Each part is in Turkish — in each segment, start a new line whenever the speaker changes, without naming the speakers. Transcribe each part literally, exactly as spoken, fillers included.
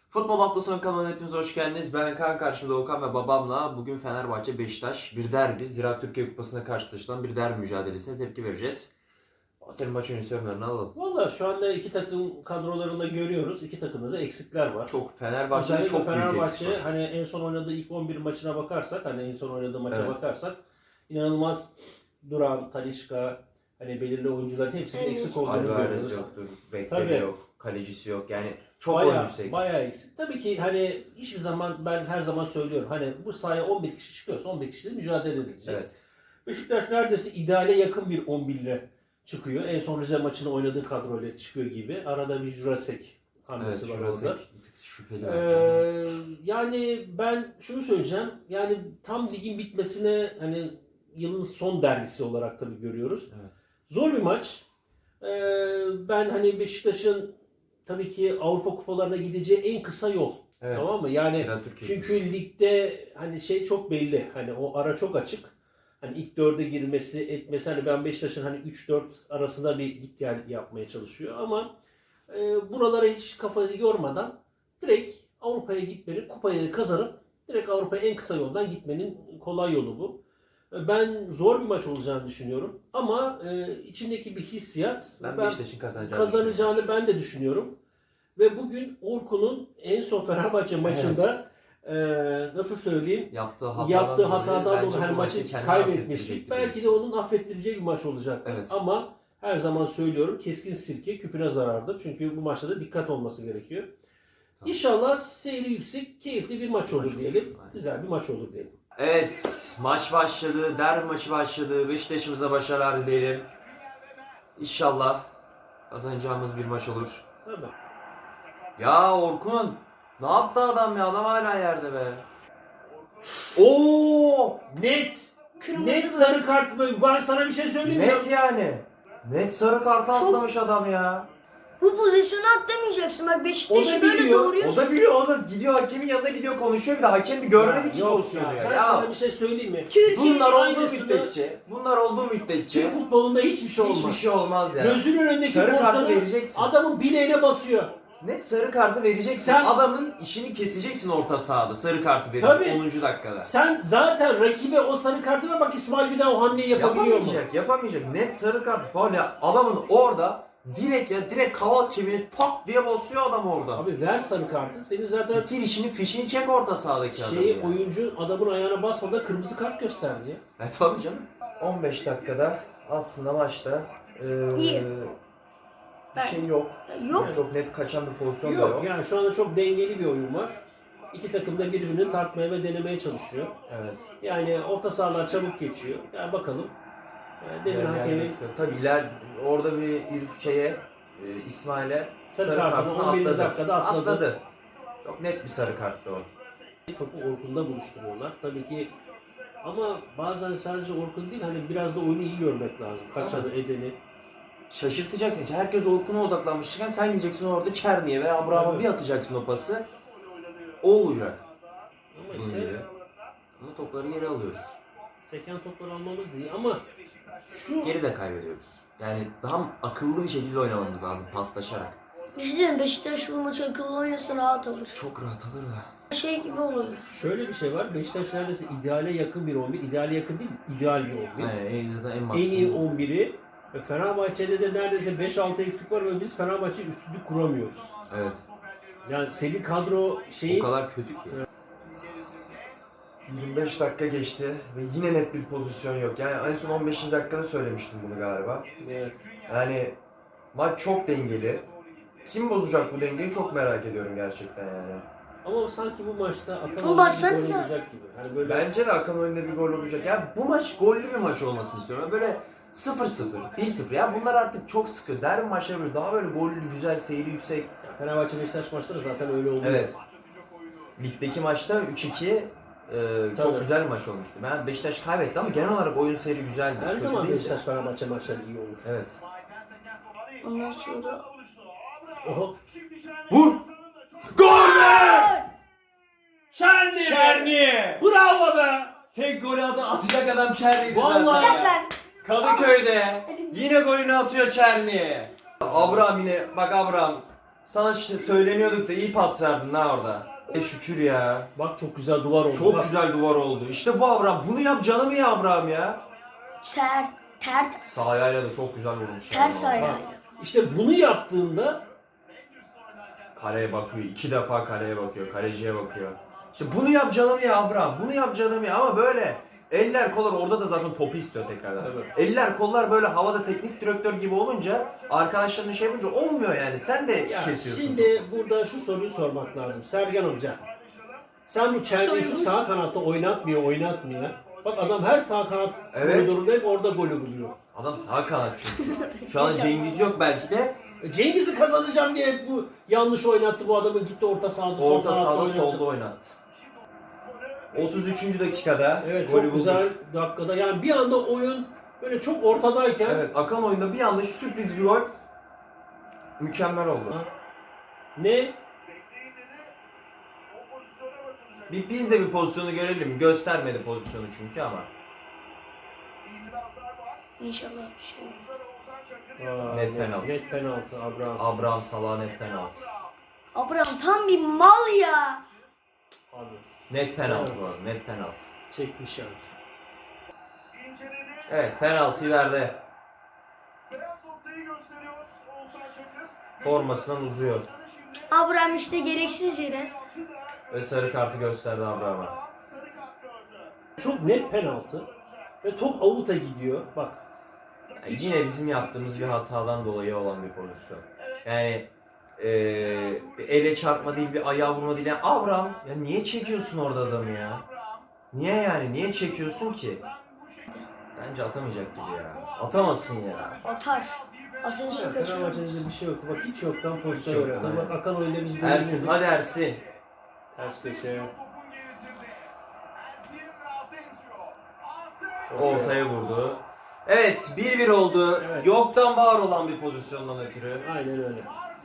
Futbol Haftası'nın kanalına hepiniz hoş geldiniz. Ben Kaan, karşımda Okan ve babamla bugün Fenerbahçe Beşiktaş bir derbi, Ziraat Türkiye Kupası'na karşılaşılan bir derbi mücadelesine tepki vereceğiz. Senin maç öncesi yorumlarını alalım.
Valla şu anda iki takım kadrolarında görüyoruz. İki takımda da eksikler var.
Çok Fenerbahçe'de çok büyük eksik
Fenerbahçe
var.
hani en son oynadığı ilk on bir maçına bakarsak, hani en son oynadığı maça
Evet.
bakarsak inanılmaz Duran, Talisca, hani belirli oyuncuların hepsinin
Evet.
eksik olduğunu
Alvarez
görüyoruz.
yoktur, bekleri
Tabii.
yok, kalecisi yok. Yani çok
Bayağı,
oyuncusu eksik.
bayağı eksik. Tabii ki hani hiçbir zaman ben her zaman söylüyorum. Hani bu sahaya on bir kişi çıkıyorsa on bir kişiyle mücadele edilecek.
Evet.
Beşiktaş neredeyse ideale yakın bir on bir ile çıkıyor. En son Rize maçını oynadığı kadroyla çıkıyor gibi. Arada bir Jurasek hamlesi
Evet,
var
şurası
orada.
bir tık şüpheli bence.
Ee, yani ben şunu söyleyeceğim. Yani tam ligin bitmesine hani yılın son derbisi olarak tabii görüyoruz.
Evet.
Zor bir maç. Ee, ben hani Beşiktaş'ın tabii ki Avrupa kupalarına gideceği en kısa yol.
Evet.
Tamam mı? Yani
Ziraat Türkiye
çünkü
Kupası.
ligde hani şey çok belli. Hani o ara çok açık. Hani ilk dörde girmesi, etmesi, hani ben Beşiktaş'ın hani üç dört arasında bir git gel yapmaya çalışıyor ama e, buralara hiç kafayı yormadan direkt Avrupa'ya gitmenin, kupayı kazanıp direkt Avrupa'ya en kısa yoldan gitmenin kolay yolu bu. E, Ben zor bir maç olacağını düşünüyorum ama e, içindeki bir hissiyat
Ben,
ben
Beşiktaş'ın kazanacağını
kazanacağını ben de düşünüyorum. Ve bugün Orkun'un en son Fenerbahçe maçında e, nasıl söyleyeyim
yaptığı hatadan
yaptığı
dolayı
hatadan
bence
dolayı her
bu
maçı
kendini
kaybetmiştik.
affettirecekti
Belki de onun affettireceği bir maç olacak.
Evet.
Ama her zaman söylüyorum keskin sirke küpüne zarardır. Çünkü bu maçta da dikkat olması gerekiyor.
Tamam.
İnşallah seyri yüksek, keyifli bir maç
Bir
olur
maç olur.
diyelim.
Aynen.
Güzel bir maç olur diyelim.
Evet, maç başladı, derbi maçı başladı. Beşiktaş'ımıza başarılar dileyelim. İnşallah kazanacağımız bir maç olur.
Tabii.
Ya Orkun, ne yaptı adam ya? Adam hala yerde be. Oo, net,
Kırmızı
Net
mı?
sarı kart mı? Ben sana bir şey söyleyeyim mi?
net yani. Net sarı kartı
Çok-
atlamış adam ya.
Bu pozisyonu atlamayacaksın. Bak
O
Beşiktaş'ı
da
böyle
biliyor,
O
doğuruyorsun.
da biliyor, o da gidiyor hakemin yanına gidiyor konuşuyor bir de hakem bir görmedi
Ya
ki
yok
pozisyonu ya.
Ben
Ya,
sana bir şey söyleyeyim mi?
Türkiye'nin
bunlar olduğu
aynısını-
müddetçe, bunlar olduğu müddetçe
Türk futbolunda hiçbir şey olmaz.
hiçbir şey olmaz ya.
Gözünün önündeki
Sarı kartı
pozisyonu
vereceksin.
adamın bileğine basıyor.
Net sarı kartı vereceksin.
Sen-
Adamın işini keseceksin orta sahada. Sarı kartı verip
Tabii.
onuncu dakikada.
Sen zaten rakibe o sarı kartı ver, bak İsmail bir daha o hamleyi yapabiliyor mu?
Yapamayacak, yapamayacak. Net sarı kart faul ya. Adamın orada direkt ya direkt kaval kemiğini pat diye basıyor adam orada.
Abi ver sarı kartı. Senin zaten
Bitir işini, fişini çek orta sahadaki adamı
şeyi
ya.
oyuncu adamın ayağına basmadan kırmızı kart gösterdi ya.
E tabii canım. on beş dakikada aslında maçta eee,
İyi.
bir şey yok.
Yok.
Çok net kaçan bir pozisyon da
Yok
yok.
yani şu anda çok dengeli bir oyun var. İki takım da birbirini tartmaya ve denemeye çalışıyor.
Evet.
Yani orta sahalar çabuk geçiyor. Yani bakalım. Yani demin
Yani
hakemin
tabii iler orada bir İrf şeye e, İsmail'e
Sarı
sarı,
kartını
kartını
on birinci
atladı.
dakikada atladı.
Çok net bir sarı karttı o.
topu Orkun'da buluşturuyorlar. Tabii ki ama bazen sadece Orkun değil, hani biraz da oyunu iyi görmek lazım. Kaçanı, edeni.
Şaşırtacaksın. İşte herkes Orkun'a odaklanmışken sen gideceksin orada Çerni'ye veya Abraham'a
Tabii.
bir atacaksın o pası. O olacak.
Ama
Bunun
işte
gibi. Ama topları geri alıyoruz.
seken topları almamız değil ama şu
Geri de kaybediyoruz. Yani daha akıllı bir şekilde oynamamız lazım paslaşarak.
İşte Beşiktaş bu maçı akıllı oynasa rahat alır.
Çok rahat alır da.
Şey gibi oluyor.
şöyle bir şey var. Beşiktaş neredeyse ideale yakın bir on bir. İdeale yakın değil, ideal bir on bir.
Yani en, zaten en
En
maksimum.
iyi on biri. Ve Fenerbahçe'de de neredeyse beş altı eksik var ve biz Fenerbahçe üstünlük kuramıyoruz.
Evet.
Yani senin kadro şeyi
O kadar kötü ki. yirmi beş dakika geçti ve yine net bir pozisyon yok. Yani en son on beşinci dakikada söylemiştim bunu galiba.
Evet.
Yani maç çok dengeli. Kim bozacak bu dengeyi çok merak ediyorum gerçekten yani.
Ama sanki bu maçta Akan
Ama
oyunda bir gol
bassanıza.
olacak gibi. Hani böyle
Bence de Hakan oyunda bir gol olacak. Yani bu maç gollü bir maç olmasını istiyorum. Yani böyle sıfır sıfır, bir sıfır. Ya bunlar artık çok sıkıyor. Derbi maçları böyle daha böyle gollü, güzel, seyri yüksek.
Fenerbahçe Beşiktaş maçları zaten öyle oluyor.
Evet. Ligdeki maçta üç iki e, çok
Tabii.
güzel bir maç olmuştu. Ben Beşiktaş kaybetti ama genel olarak oyun seyri güzeldi.
Her
Kötü
zaman
değildi.
Beşiktaş Fenerbahçe maçları iyi olur.
Evet.
Ondan sonra
Oho.
Vur! Gol be!
Çerni!
Çerni!
Bravo be!
Tek golü adı atacak adam Çerni'ydi
Vallahi
zaten.
ya.
Zaten
Kadıköy'de yine golünü atıyor Çerni. Abraham yine bak Abraham Sana ş- söyleniyorduk da iyi pas verdin ha orada. E şükür ya.
Bak çok güzel duvar oldu.
Çok
Bak.
güzel duvar oldu. İşte bu Abraham. Bunu yap canım ya Abraham ya.
Ter, ter,
Sağ ayağıyla da çok güzel vurmuş.
ters
yani.
ayağıyla.
İşte bunu yaptığında
Kaleye bakıyor. iki defa kaleye bakıyor. Kaleciye bakıyor. İşte bunu yap canım ya Abraham. Bunu yap canım ya. Ama böyle eller kollar orada da zaten topu istiyor tekrardan.
Evet.
Eller kollar böyle havada teknik direktör gibi olunca arkadaşlarının şey yapınca olmuyor yani. Sen de
ya
kesiyorsun.
şimdi burada şu soruyu sormak lazım. Sergen Hoca. Sen bu Çermi'yi şu sağ kanatta oynatmıyor, oynatmıyor. Bak adam her sağ kanat
Evet.
koridorunda hep orada golü buluyor.
Adam sağ kanat çünkü. Şu an Cengiz yok belki de.
E, Cengiz'i kazanacağım diye hep bu yanlış oynattı bu adamı, gitti orta sahada sol
Orta
kanatta
sahada
oynattı.
solda oynattı. otuz üçüncü dakikada
Evet
golü
çok
buldu.
güzel dakikada. Yani bir anda oyun böyle çok ortadayken
Evet, akan oyunda bir anda sürpriz bir gol. Mükemmel oldu.
ne?
Bir, biz de bir pozisyonu görelim. Göstermedi pozisyonu çünkü ama.
İnşallah bir şey yok.
Aa,
Net penaltı.
Net penaltı Abraham.
Abraham Salah net penaltı.
Abraham tam bir mal ya.
Abi
Net penaltı
Evet.
bu arada, net penaltı.
çekmiş yani.
Evet, penaltıyı verdi. Formasından uzuyor.
Abraham işte gereksiz yere.
Ve sarı kartı gösterdi Abraham'a.
Çok net penaltı ve top avuta gidiyor. Bak
Yani yine bizim yaptığımız bir hatadan dolayı olan bir pozisyon. Yani eee bir ele çarpma değil, bir ayağa vurma değil. Yani Abraham, ya niye çekiyorsun orada adamı ya? Niye yani? Niye çekiyorsun ki? Bence atamayacak gibi ya. Atamazsın ya.
Atar. Asensio
evet,
kaçırır.
Fenerbahçe'de bir şey yok. Bak hiç yoktan pozisyon
yok,
oynadı.
aynen.
Bak akan oyunda biz
Ersin,
golü
hadi Ersin.
ters köşe.
Ortaya vurdu. Evet, bir bir oldu.
Evet.
Yoktan var olan bir pozisyondan ötürü.
Aynen öyle.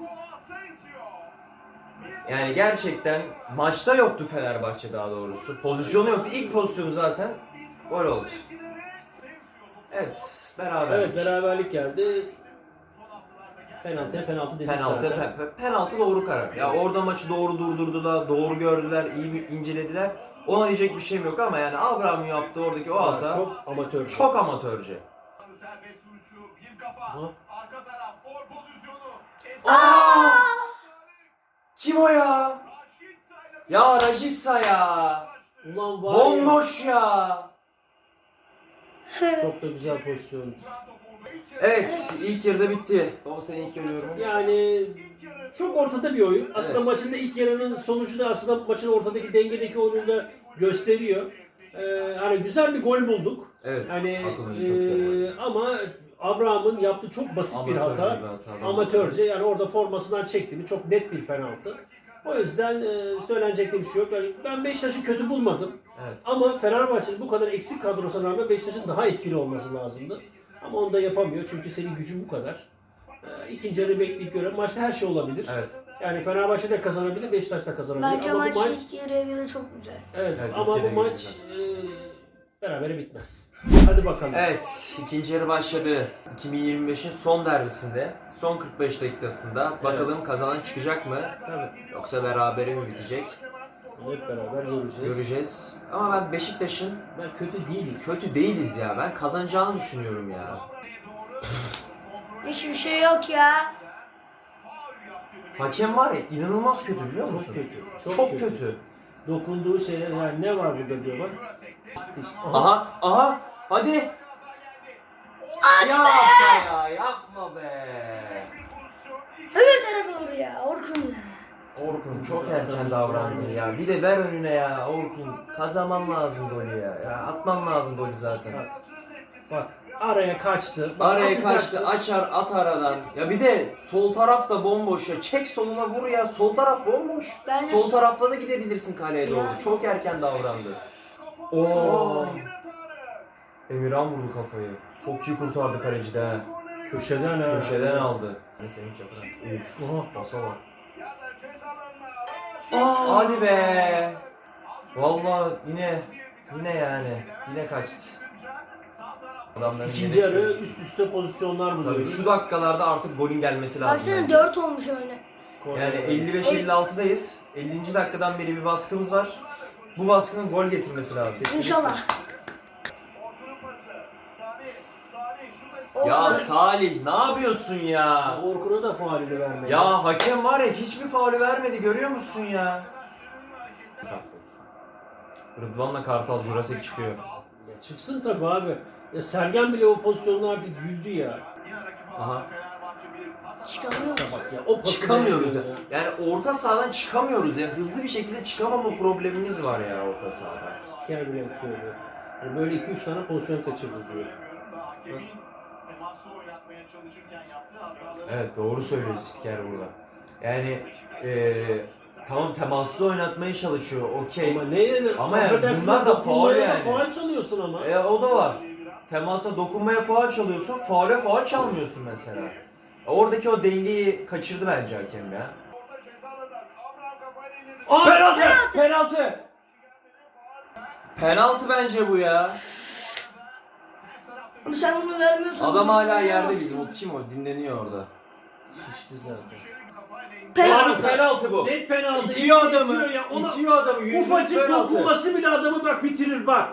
Yani gerçekten maçta yoktu Fenerbahçe daha doğrusu. Pozisyonu yoktu. İlk pozisyonu zaten gol oldu. Evet, beraber.
Evet beraberlik geldi. Penaltıya penaltı dedik
Penaltı,
zaten.
pe- pe- penaltı doğru karar. Ya orada maçı doğru durdurdular, doğru gördüler, iyi bir incelediler. Ona diyecek bir şeyim yok ama yani Abraham'ın yaptığı oradaki o hata
Çok amatör.
çok amatörce.
Aha.
Aa! Kim o ya? Ya Rajitsa ya.
Ulan var ya.
Bomboş ya.
Çok da güzel pozisyon.
Evet, ilk yarıda bitti. Baba senin ilk yarı yorumun.
Yani çok ortada bir oyun. Aslında
Evet.
maçın da ilk yarının sonucu da aslında maçın ortadaki dengedeki oyunu da gösteriyor. Ee, hani güzel bir gol bulduk.
Evet.
Hani
Akıllıca çok güzel
e, ama Abraham'ın yaptığı çok basit bir
Amatörce
hata.
bir hata.
Amatörce yani orada formasından çekti mi çok net bir penaltı. O yüzden e, söylenecek de bir şey yok. Yani ben Beşiktaş'ı kötü bulmadım.
Evet.
Ama Fenerbahçe'nin bu kadar eksik kadrosuna rağmen Beşiktaş'ın daha etkili olması lazımdı. Ama onu da yapamıyor çünkü senin gücün bu kadar. Ee, İkinci yarı bekleyip göre maçta her şey olabilir.
Evet.
Yani Fenerbahçe de kazanabilir, Beşiktaş da kazanabilir.
Bence
ama
maç
bu maç
ilk yarıya göre çok güzel.
evet,
Evet,
ama
ilk
bu
yarıya göre
maç e, berabere bitmez. Hadi bakalım.
Evet, ikinci yarı başladı. iki bin yirmi beşin son derbisinde, son kırk beş dakikasında bakalım kazanan çıkacak mı?
Tabii.
Yoksa berabere mi bitecek?
Hep beraber göreceğiz.
Göreceğiz. Ama ben Beşiktaş'ın
Ben kötü değiliz.
kötü değiliz ya. Ben kazanacağını düşünüyorum ya.
Hiçbir şey yok ya.
Hakem var ya inanılmaz kötü biliyor musun?
Çok kötü.
Çok,
Çok,
kötü.
kötü. Dokunduğu şeyler yani ne var burada diyorlar. İşte,
Aha, aha, hadi. Yapma ya, yapma be.
Öbür tarafa vur ya Orkun ya.
Orkun çok erken davrandın ya. Bir de ver önüne ya Orkun. Kazanman lazım golü ya. Ya atman lazım golü zaten.
Bak araya kaçtı. Bak,
Araya
atacaktı.
kaçtı, açar, at aradan. Ya bir de sol taraf da bomboş ya. Çek soluna vur ya. Sol taraf bomboş.
Ben de
Sol tarafta da gidebilirsin kaleye doğru.
Ya.
Çok erken davrandı. Oo. Emirhan vurdu kafayı. Çok iyi kurtardı kaleci de. ha.
Köşeden ha.
Köşeden aldı. Ne sevinç yaparak. Uf.
Oha.
Pasa bak. Hadi be. Vallahi yine yine yani yine kaçtı. Adamların
İkinci
yine-
yarı üst üste pozisyonlar
Tabii
buluyoruz.
şu dakikalarda artık golün gelmesi lazım.
Baksana
bence.
dört olmuş öyle.
Yani elli beş elli altıdayız. ellinci dakikadan beri bir baskımız var. Bu baskının gol getirmesi lazım.
İnşallah.
Ya
Orkun-
Salih ne yapıyorsun ya?
Orkun'a da faulünü vermedi.
Ya hakem var ya hiçbir faulü vermedi görüyor musun ya? Rıdvan'la Kartal Jurassic çıkıyor.
Ya çıksın tabii abi. Ya Sergen bile o pozisyonda artık güldü ya.
Aha.
Çıkamıyor.
Neyse bak ya o pası
Çıkamıyoruz ya.
veriyor
Yani orta sahadan çıkamıyoruz ya. Hızlı bir şekilde çıkamama problemimiz var ya orta sahada.
Spiker bile yapıyor. Yani böyle iki üç tane pozisyon kaçırdı diyor.
Evet doğru söylüyor spiker burada. Yani eee tamam temaslı oynatmaya çalışıyor okey.
Ama neye de
Ama yani
affedersin
bunlar da
dokunmaya
faul
da
yani.
faul çalıyorsun ama.
E, o da var. Temasa dokunmaya faul çalıyorsun, faule faul çalmıyorsun mesela. Oradaki o dengeyi kaçırdı bence hakem ya.
Aa,
Penaltı! Penaltı! Penaltı bence bu ya.
Ama sen bunu vermiyorsan.
Adam hala
bunu
yerde
veremezsin.
bizim. O kim o? Dinleniyor orada.
Şişti zaten.
Penaltı.
Yani penaltı bu.
Net penaltı.
İtiyor
itiyor
adamı.
ya. Ona
İtiyor adamı. Yüzde yüz
ufacık
penaltı.
dokunması bile adamı bak bitirir bak.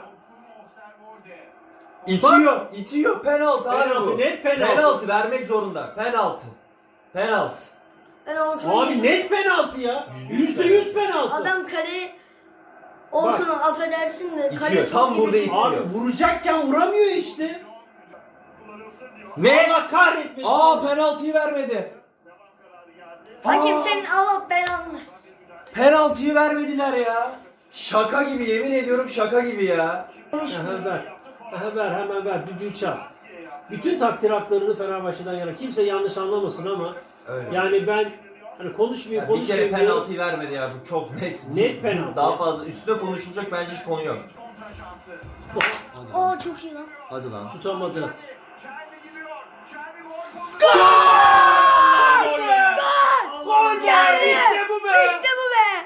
İtiyor. İtiyor. Penaltı abi
Penaltı
bu.
net penaltı.
Penaltı vermek zorunda. Penaltı. Penaltı.
Ben Orkun'u
Abi net penaltı ya.
Yüzde yüz
Yüzde yüz penaltı.
Adam kale Orkun'u affedersin de kale
İtiyor, tam burada itiyor.
Abi vuracakken vuramıyor işte.
Ne?
Allah kahretmesin.
Aa penaltıyı vermedi.
Hakem
Aa,
senin Allah belanı.
penaltıyı vermediler ya. Şaka gibi yemin ediyorum şaka gibi ya.
Aha, ver. Aha, ver hemen ver. Düdüğü çal. Bütün takdir haklarını Fenerbahçe'den yana. Kimse yanlış anlamasın ama
Öyle.
yani ben hani konuşmayayım
Ya bir kere
konuşmayayım diyorum.
penaltıyı vermedi ya bu çok net.
Net penaltı.
Daha fazla üstüne konuşulacak bence hiç konu yok. Hadi lan.
Oo çok iyi lan.
Hadi lan.
Tutamadı.
Gol be!
Gol be!
Geldi.
İşte bu be!
İşte bu be.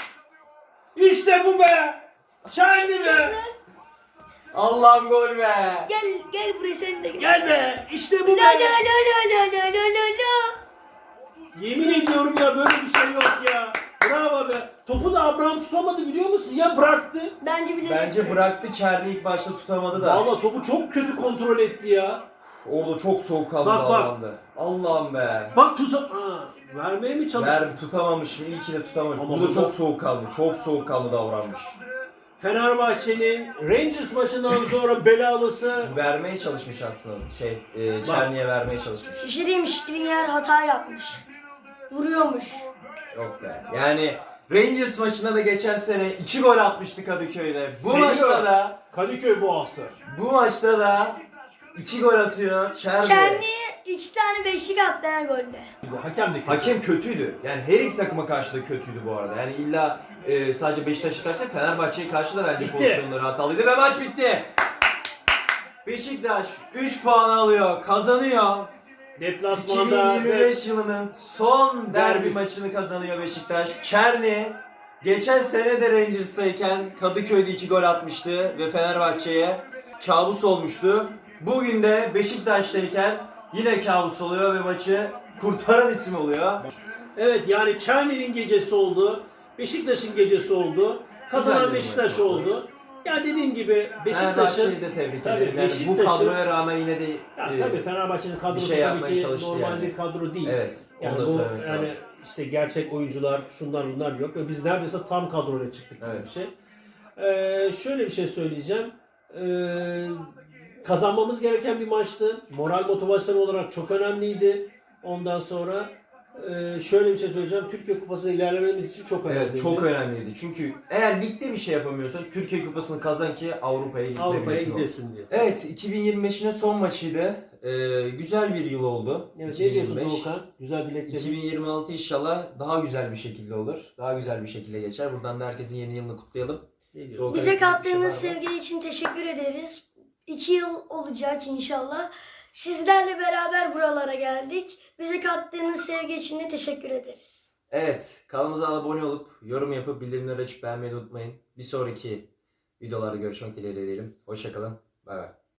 İşte bu be! Çeldi be!
Allah'ım gol be!
Gel gel buraya sen de gel.
Gel be! İşte bu
La
be!
la la la la la la la la.
Yemin ediyorum ya böyle bir şey yok ya. Bravo be! Topu da Abraham tutamadı biliyor musun? Ya bıraktı.
Bence bile.
Bence bıraktı Çerni ilk başta tutamadı da.
Valla topu çok kötü kontrol etti ya.
Orada çok soğuk kaldı
Bak, bak.
davrandı. Allah'ım be.
Bak tuta... Ha, vermeye mi çalıştı?
Ver tutamamışım iyi ki de tutamamış.
Ama
Burada
burada-
çok soğuk kaldı. Çok soğuk kaldı davranmış.
Fenerbahçe'nin Rangers maçından sonra belalısı
Vermeye çalışmış aslında. Şey, e, Çerni'ye vermeye çalışmış.
Bir şey diyeyim Skriniar hata yapmış. Vuruyormuş.
Yok be. Yani Rangers maçına da geçen sene iki gol atmıştı Kadıköy'de. Bu
Seviyor.
maçta da
Kadıköy Boğası.
bu maçta da iki gol atıyor. Çerni.
Çerni'ye iki tane beşlik attı ha golde.
Hakem de kötü.
Hakem kötüydü. Yani her iki takıma karşı da kötüydü bu arada. Yani illa e, sadece Beşiktaş'a karşı değil, Fenerbahçe'ye karşı da bence
Bitti.
pozisyonları hatalıydı ve maç bitti. Beşiktaş üç puan alıyor, kazanıyor.
Deplasmanda
iki bin yirmi beş yılının son derbi
Derbisi.
maçını kazanıyor Beşiktaş. Çerni geçen sene de Rangers'tayken Kadıköy'de iki gol atmıştı ve Fenerbahçe'ye kabus olmuştu. Bugün de Beşiktaş'tayken yine kabus oluyor ve maçı kurtaran isim oluyor.
Evet yani Çerni'nin gecesi oldu. Beşiktaş'ın gecesi oldu. Kazanan
Güzel bir
Beşiktaş
maç
oldu.
oldu.
Ya dediğim gibi Beşiktaş'ın
Fenerbahçe'yi de tebrik
Tabii,
ederim. Yani bu
Beşiktaş'ın-
kadroya rağmen yine de
ya
e,
tabii Fenerbahçe'nin kadrosu
şey
tabii
yapmaya
ki
çalıştı
normal
yani.
bir kadro değil.
evet, onu
Yani
da
bu
söylemek
yani
lazım.
işte gerçek oyuncular, şunlar bunlar yok ve biz neredeyse tam kadroyla çıktık gibi
Evet.
bir şey. Ee, şöyle bir şey söyleyeceğim. Ee, kazanmamız gereken bir maçtı. Moral motivasyon olarak çok önemliydi. Ondan sonra e, şöyle bir şey söyleyeceğim. Türkiye Kupası'na ilerlememiz için çok önemliydi.
Evet, çok önemliydi. Çünkü eğer ligde bir şey yapamıyorsan Türkiye Kupası'nı kazan ki Avrupa'ya gitme
Avrupa'ya
biletin olsun.
gidesin diye.
Evet, iki bin yirmi beşin son maçıydı. Ee, güzel bir yıl oldu.
Evet, ne diyorsun
iki bin yirmi beş.
Doğukan? Güzel dileklerin.
iki bin yirmi altı inşallah daha güzel bir şekilde olur. Daha güzel bir şekilde geçer. Buradan da herkesin yeni yılını kutlayalım.
Ne diyorsun?
Doğukan,
Bize
bir şey var
kattığınız
mı?
sevgi için teşekkür ederiz. İki yıl olacak inşallah. Sizlerle beraber buralara geldik. Bize kattığınız sevgi için de teşekkür ederiz.
Evet, kanalımıza abone olup yorum yapıp bildirimleri açıp beğenmeyi unutmayın. Bir sonraki videolarda görüşmek dileğiyle diyelim. Hoşçakalın. Bay bay.